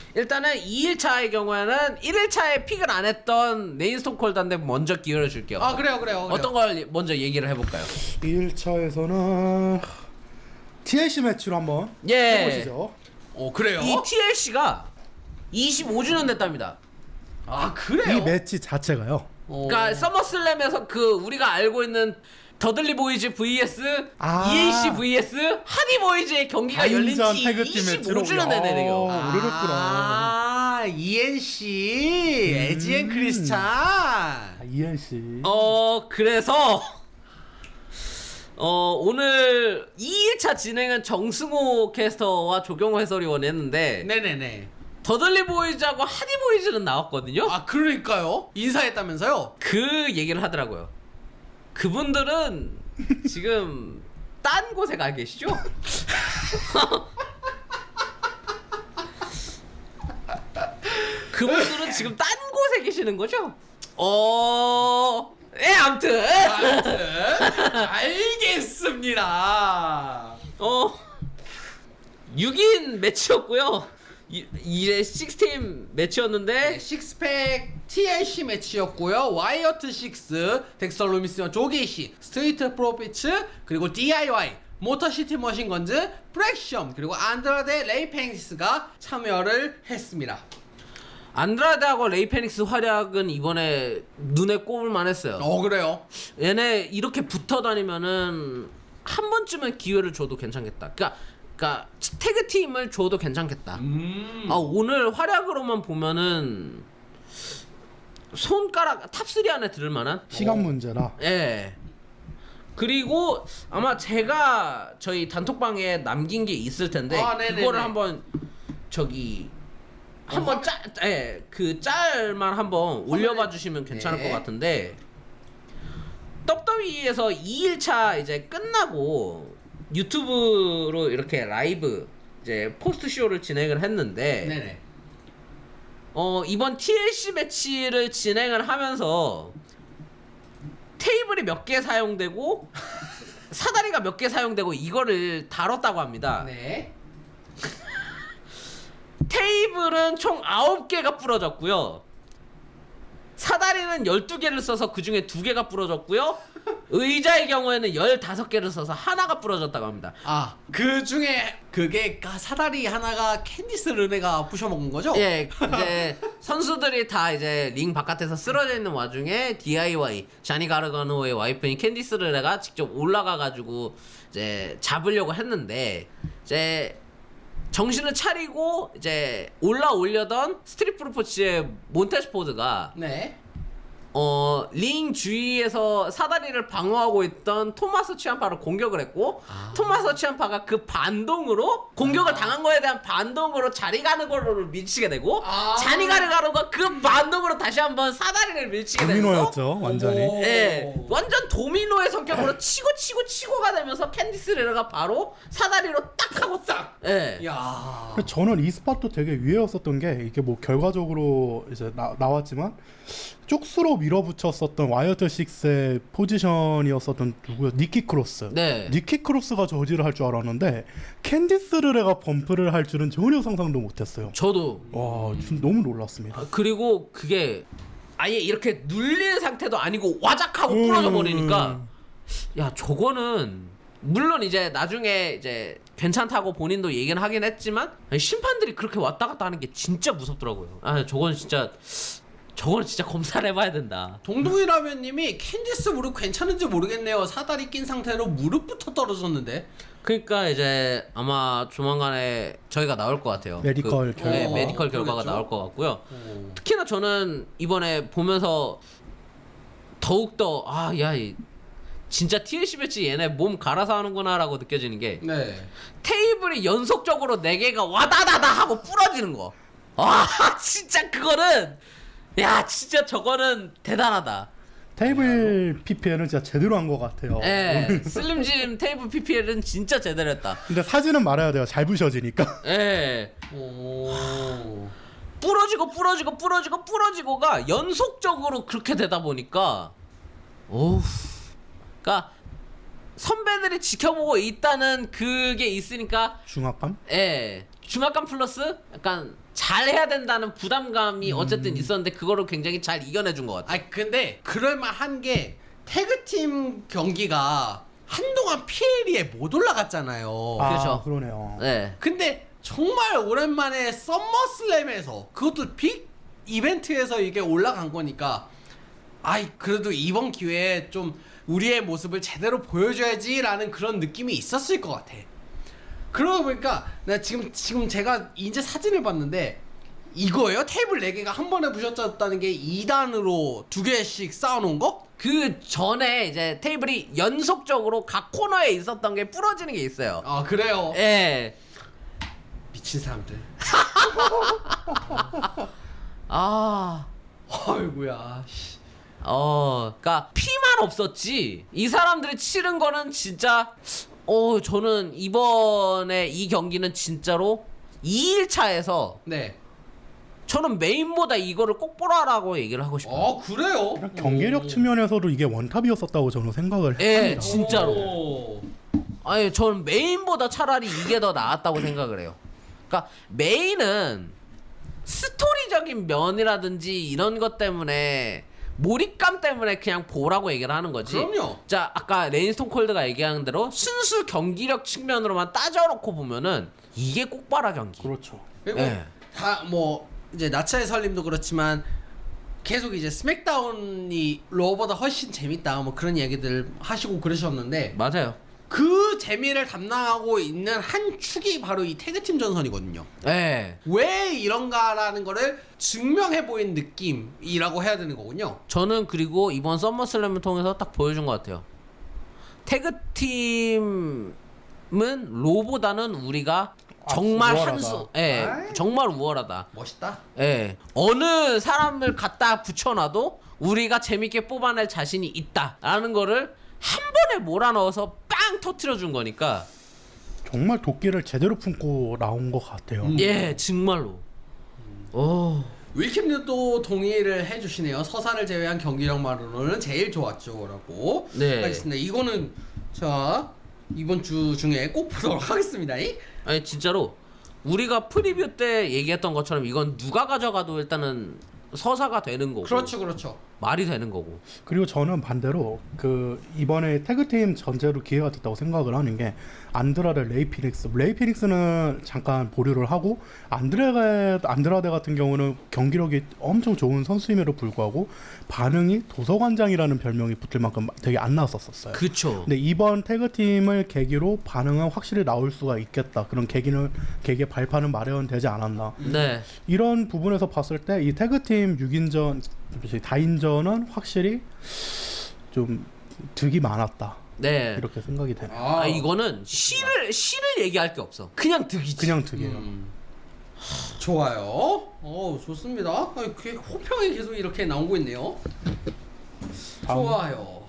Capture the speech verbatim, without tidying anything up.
일단은 이 일차의 경우에는 일 일차에 픽을 안 했던 네인스톤 콜드한테 먼저 기회를 줄게요. 아 그래요 그래요, 그래요. 어떤 걸 먼저 얘기를 해볼까요? 일 일차에서는 티엘씨 매치로 한번 예. 해보시죠. 오 그래요? 이 티엘씨가 이십오 주년 됐답니다. 아 그래요? 이 매치 자체가요. 오. 그러니까 서머슬램에서 그 우리가 알고 있는 더들리 보이즈 vs 아. 이에이씨 vs 하디 보이즈의 경기가 열린 다인전 지 태그팀 매치로. 이십오 주년 되네요. 어, 오래됐구나. 아 이엔씨 에지앤 크리스찬. 아, 이엘씨. 어 그래서 어 오늘 이 일차 진행은 정승호 캐스터와 조경호 해설위원이 했는데 네네네. 더들리 보이즈하고 하디 보이즈는 나왔거든요. 아 그러니까요? 인사했다면서요? 그 얘기를 하더라고요. 그분들은 지금 딴 곳에 가 계시죠? 그분들은 지금 딴 곳에 계시는 거죠? 어... 예, 아무튼 아무튼 알겠습니다. 어... 육 인 매치였고요. 이, 이제 식스팀 매치였는데 네, 식스팩 티엘씨 매치였고요. 와이어트 식스, 덱스터 루미스와 조게이시, 스트리트 프로피츠, 그리고 디아이와이, 모터시티 머신건즈, 프렉션, 그리고 안드라데 레이펜시스가 참여를 했습니다. 안드라데하고 레이 페닉스 활약은 이번에 눈에 꼽을만 했어요. 어 그래요? 얘네 이렇게 붙어 다니면은 한 번쯤은 기회를 줘도 괜찮겠다. 그러니까, 그러니까 태그팀을 줘도 괜찮겠다. 음. 아, 오늘 활약으로만 보면은 손가락 탑삼 안에 들을 만한? 시간 문제라. 예. 그리고 아마 제가 저희 단톡방에 남긴 게 있을 텐데 아, 네네네. 그거를 한번 저기 한번 짤, 예, 그 짤만 한번 올려봐 주시면 괜찮을 네. 것 같은데 더블유더블유이에서 이 일차 이제 끝나고 유튜브로 이렇게 라이브 이제 포스트 쇼를 진행을 했는데 네네. 어 이번 티엘씨 매치를 진행을 하면서 테이블이 몇 개 사용되고 사다리가 몇 개 사용되고 이거를 다뤘다고 합니다. 네. 테이블은 총 아홉 개가 부러졌고요. 사다리는 열두 개를 써서 그 중에 두 개가 부러졌고요. 의자의 경우에는 열다섯 개를 써서 하나가 부러졌다고 합니다. 아, 그 중에 그게 가- 사다리 하나가 캔디스 르네가 부셔먹은 거죠? 예, 이제 선수들이 다 이제 링 바깥에서 쓰러져 있는 와중에 디아이와이 자니 가르가노의 와이프인 캔디스 르네가 직접 올라가가지고 이제 잡으려고 했는데 이제 정신을 차리고 이제 올라오려던 스트릿 프로포츠의 몬테스포드가 네. 어, 링 주위에서 사다리를 방어하고 있던 토마스 치암파를 공격을 했고 아. 토마스 치암파가 그 반동으로 공격을 당한 거에 대한 반동으로 자니 가르가노를 밀치게 되고 아. 자니 가르가노가 그 반동으로 다시 한번 사다리를 밀치게 되면서 도미노였죠, 완전히. 오. 예, 완전 도미노의 성격으로 치고 치고 치고가 되면서 캔디스 레너가 바로 사다리로 딱 하고 딱. 예. 야. 근데 저는 이 스팟도 되게 유해였었던 게 이게 뭐 결과적으로 이제 나, 나왔지만 쪽수로 밀어붙였었던 와이어트 식스의 포지션이었었던 누구요? 니키 크로스. 네. 니키 크로스가 저지를 할 줄 알았는데 캔디스 르레가 범프를 할 줄은 전혀 상상도 못했어요. 저도 와, 좀 너무 놀랐습니다. 아, 그리고 그게 아예 이렇게 눌린 상태도 아니고 와작하고 음. 부러져 버리니까 야 저거는 물론 이제 나중에 이제 괜찮다고 본인도 얘기는 하긴 했지만 아니, 심판들이 그렇게 왔다 갔다 하는 게 진짜 무섭더라고요. 아 저건 진짜 저건 진짜 검사를 해봐야 된다. 동동이 라면님이 캔디스 무릎 괜찮은지 모르겠네요. 사다리 낀 상태로 무릎부터 떨어졌는데. 그러니까 이제 아마 조만간에 저희가 나올 것 같아요. 메디컬 그, 결과. 네, 메디컬 결과가 그러겠죠? 나올 것 같고요. 오. 특히나 저는 이번에 보면서 더욱더 아야 진짜 티엘씨 배치 얘네 몸 갈아서 하는구나라고 느껴지는 게 네. 테이블이 연속적으로 네 개가 와다다다 하고 부러지는 거. 와 진짜 그거는 야 진짜 저거는 대단하다. 테이블 피피엘은 진짜 제대로 한 것 같아요. 예, 슬림짐 테이블 피피엘은 진짜 제대로 했다. 근데 사진은 말아야 돼요. 잘 부셔지니까. 예. 오. 부러지고 부러지고 부러지고 부러지고가 연속적으로 그렇게 되다 보니까 오우 그러니까 선배들이 지켜보고 있다는 그게 있으니까 중압감? 예 중압감 플러스 약간 잘해야 된다는 부담감이 어쨌든 있었는데 그거를 굉장히 잘 이겨내준 것 같아요. 아 근데 그럴만한 게 태그팀 경기가 한동안 피엘이에 못 올라갔잖아요. 아, 그렇죠. 그러네요. 네. 근데 정말 오랜만에 썸머슬램에서 그것도 빅 이벤트에서 이게 올라간 거니까 아이 그래도 이번 기회에 좀 우리의 모습을 제대로 보여줘야지라는 그런 느낌이 있었을 것 같아. 그러다 보니까 나 지금 지금 제가 이제 사진을 봤는데 이거예요? 테이블 네 개가 한 번에 부셔졌다는 게 이 단으로 두 개씩 쌓아놓은 거? 그 전에 이제 테이블이 연속적으로 각 코너에 있었던 게 부러지는 게 있어요. 아 그래요? 예. 미친 사람들. 아. 아이고야. 씨. 어, 그러니까 피만 없었지. 이 사람들이 치른 거는 진짜 어, 저는 이번에 이 경기는 진짜로 이 일차에서 네. 저는 메인보다 이거를 꼭 보라라고 얘기를 하고 싶어요. 아 그래요? 경기력 오. 측면에서도 이게 원탑이었었다고 저는 생각을 예, 합니다. 진짜로. 오. 아니, 저는 메인보다 차라리 이게 더 나았다고 생각을 해요. 그러니까 메인은 스토리적인 면이라든지 이런 것 때문에 몰입감 때문에 그냥 보라고 얘기를 하는 거지. 그럼요. 자, 아까 레인스톤 콜드가 얘기한 대로 순수 경기력 측면으로만 따져놓고 보면은 이게 꼭봐라 경기. 그렇죠. 그리고 예. 다 뭐 이제 나차의 설림도 그렇지만 계속 이제 스맥다운이 로어보다 훨씬 재밌다 뭐 그런 얘기들 하시고 그러셨는데 맞아요. 그 재미를 담당하고 있는 한 축이 바로 이 태그팀 전선이거든요. 예. 왜 이런가라는 거를 증명해 보인 느낌이라고 해야 되는 거군요. 저는 그리고 이번 썸머슬램을 통해서 딱 보여준 것 같아요. 태그팀은 로보다는 우리가 아, 정말 우월하다. 한수, 예, 아이. 정말 우월하다. 멋있다. 예, 어느 사람을 갖다 붙여놔도 우리가 재밌게 뽑아낼 자신이 있다라는 거를 한 번에 몰아넣어서 빵 터트려준 거니까. 정말 도끼를 제대로 품고 나온 것 같아요. 음. 예, 정말로. 오. 윌킴님도 동의를 해주시네요. 서사를 제외한 경기력만으로는 제일 좋았죠라고. 네. 알겠습니다. 이거는 자 이번 주 중에 꼭 보도록 하겠습니다. 아니 진짜로 우리가 프리뷰 때 얘기했던 것처럼 이건 누가 가져가도 일단은 서사가 되는 거고. 그렇죠, 그렇죠. 말이 되는 거고. 그리고 저는 반대로 그 이번에 태그팀 전제로 기회가 됐다고 생각을 하는 게 안드라데 레이 피닉스 레이 피닉스는 잠깐 보류를 하고 안드레 안드라데 같은 경우는 경기력이 엄청 좋은 선수임에도 불구하고 반응이 도서관장이라는 별명이 붙을 만큼 되게 안 나왔었어요. 그쵸. 근데 이번 태그팀을 계기로 반응은 확실히 나올 수가 있겠다. 그런 계기는 계기의 발판은 마련되지 않았나. 네. 이런 부분에서 봤을 때 이 태그팀 육 인전, 다인전은 확실히 좀 득이 많았다. 네. 이렇게 생각이 되네요. 아 이거는 시를 시를 얘기할 게 없어. 그냥 득이지. 그냥 득이에요. 음. 좋아요. 어 좋습니다. 아, 그 호평이 계속 이렇게 나오고 있네요. 다음. 좋아요.